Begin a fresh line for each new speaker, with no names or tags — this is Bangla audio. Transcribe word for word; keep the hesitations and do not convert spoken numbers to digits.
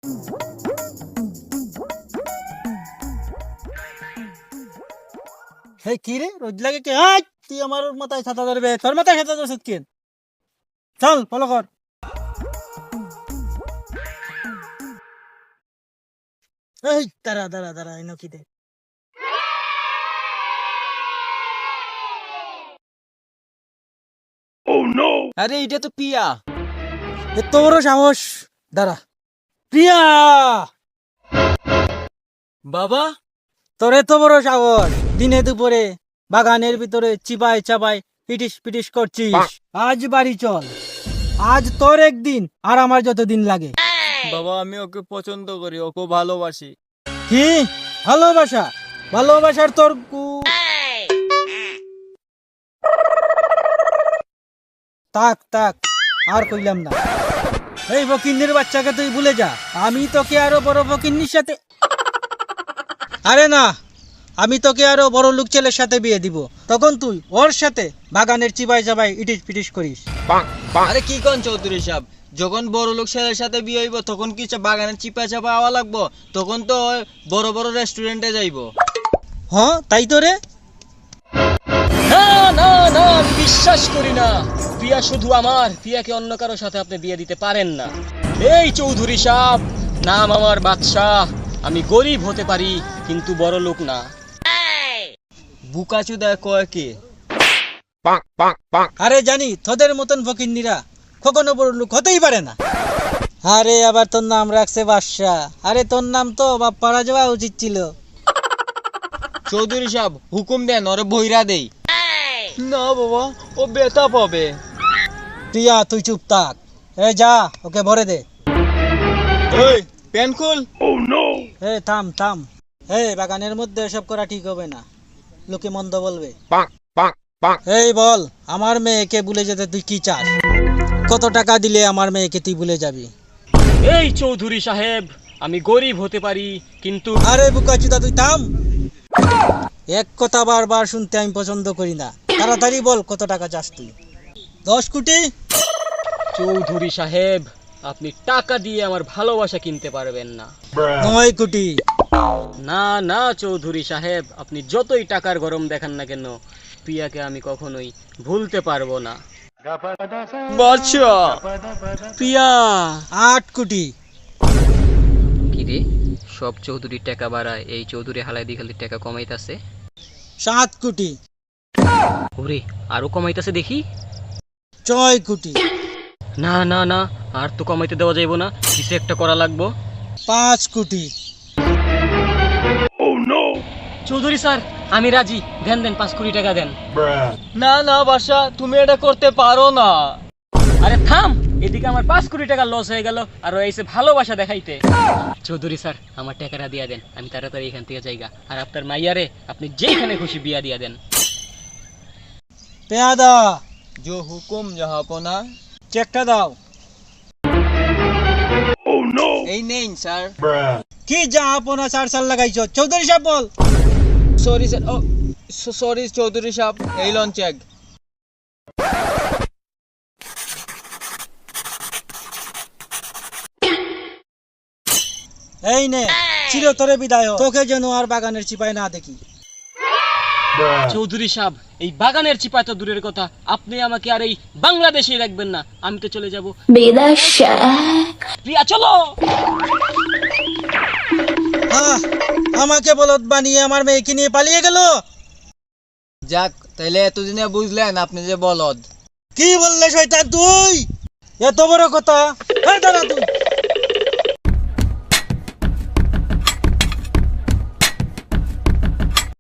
এই কি রে রোজ লাগে কে? হাই, তুই আমার মাথায় ছাতা ধরবে, তোর মাথায় ছাতা ধরছিস কেন? চল ফলো কর। এই দাঁড়া দাঁড়া দাঁড়া, এনো কি দে?
আরে এটা তো পিয়া।
এ তোরও সাহস? দাঁড়া। প্রিয়া,
বাবা
তোর এত বড় সাহস, দিনে দুপুরে বাগানের ভিতরে চিবাই চাবাই পিটিস পিটিস করছিস। আজ বাড়ি চল, আজ তোর একদিন আর আমার যতদিন লাগে।
বাবা আমি ওকে পছন্দ করি, ওকে ভালোবাসি।
কি ভালোবাসা? ভালোবাসার তোর কু- তাক তাক, আর কইলাম না। এই ফকিন্নির বাচ্চাকে তুই ভুলে যা, আমি তোকে আরো বড় ফকিন্নির সাথে, আরে না, আমি তোকে আরো বড় লোক ছেলের সাথে বিয়ে দিব। তখন তুই ওর সাথে বাগানের চিবাই চাবাই ইটিস পিটিস করিস।
আরে কি কোন চৌধুরী সাহেব, যখন বড় লোক ছেলের সাথে বিয়ে হইব তখন কি চা- বাগানের চিপা চাপা আওয়া লাগবো? তখন তো ওই বড় বড় রেস্টুরেন্টে যাইবো।
হ্যাঁ তাই তো রে।
না না না, আমি বিশ্বাস করি না। প্রিয়া শুধু আমার, প্রিয়াকে অন্য কারোর সাথে আপনি বিয়ে দিতে পারেন না। এই চৌধুরী সাহেব, নাম আমার বাদশাহ। আমি গরিব হতে পারি কিন্তু বড় লোক না।
বুকাচুদা কয় কি?
আরে জানি তোদের মতন ফকিন্নিরা কখনো বড় লোক হতেই পারে না। আরে আবার তোর নাম রাখছে বাদশা। আরে তোর নাম তো বাপ পাড়া যাওয়া উচিত ছিল।
চৌধুরী সাহেব হুকুম দেন, ওরে বইরা দেই। না বাবা, ও বেতা পাবে।
প্রিয়া তুই চুপ থাক। এ যা, ওকে ভরে দে।
ওই পেন খুল।
এ থাম থাম। এ বাগানের মধ্যে এসব করা ঠিক হবে না, লোকে মন্দ বলবে। এই বল, আমার মেয়েকে ভুলে যেতে তুই কি চাস? কত টাকা দিলে আমার মেয়েকে তুই ভুলে যাবি?
এই চৌধুরী সাহেব, আমি গরিব হতে পারি কিন্তু
আরে বুকাচুদা তুই থাম। এক কথা বারবার শুনতে আমি পছন্দ করি না। তাড়াতাড়ি বল কত টাকা চাস তুই? দশ কোটি?
চৌধুরী সাহেব, আপনি টাকা দিয়ে আমার ভালোবাসা কিনতে পারবেন না।
নয় কোটি?
না না চৌধুরী সাহেব, আপনি যতই টাকার গরম দেখান না কেন, প্রিয়াকে আমি কখনোই ভুলতে পারবো না।
বাচ্চা
প্রিয়া।
আট কোটি?
কিরে, সব চৌধুরী টাকা বাড়ায়, এই চৌধুরী হালাই দিখালি টাকা কমাইতাছে।
সাত কোটি?
ওরে, আরো কমাইতাছে দেখি।
ছয় কোটি?
না না না, আর তো কমাইতে দেওয়া যাইব না, কিছু একটা করা লাগবো।
পাঁচ কোটি?
চৌধুরী স্যার, আমি রাজি, দেন দেন, পাঁচ কোটি টাকা দেন।
না না বাসা, তুমি এটা করতে পারো না।
আরে থাম, এদিকে আমার পাঁচ কোটি টাকা লস হয়ে গেল আর ও এসে ভালোবাসা দেখাইতে। চৌধুরী স্যার, আমার টাকাটা দিয়া দেন, আমি তাড়াতাড়ি এখান থেকে যাইগা। আর আপনার মাইয়ারে আপনি যেখানে খুশি বিয়া দিয়া দেন।
পেয়াদা,
जो हुकुम জাহাপনা।
চেকটা দাও।
এই নেন স্যার।
কি যা আপনা চার সাল লাগাইছ? চৌধুরী সাহেব বল।
সরি স্যার, ও সরি চৌধুরী সাহেব, এই লন চেক।
এই নে, চিরতরে বিদায় হ। তোকে যেন আর বাগানের চিপায় না দেখি।
চৌধুরী সাহেব, এই বাগানের চিপা তো দূরের কথা, আপনি আমাকে আর এই বাংলাদেশে রাখবেন না, আমি তো চলে যাব বিদেশে। প্রিয়া চলো।
আহ, আমাকে বলদ বানিয়ে আমার মেয়েকে নিয়ে পালিয়ে গেল।
যাক, তাহলে এতদিনে বুঝলেন আপনি যে বলদ।
কি বললে শয়তান তুই? এত বড় কথা? এই দাঁড়া তুই।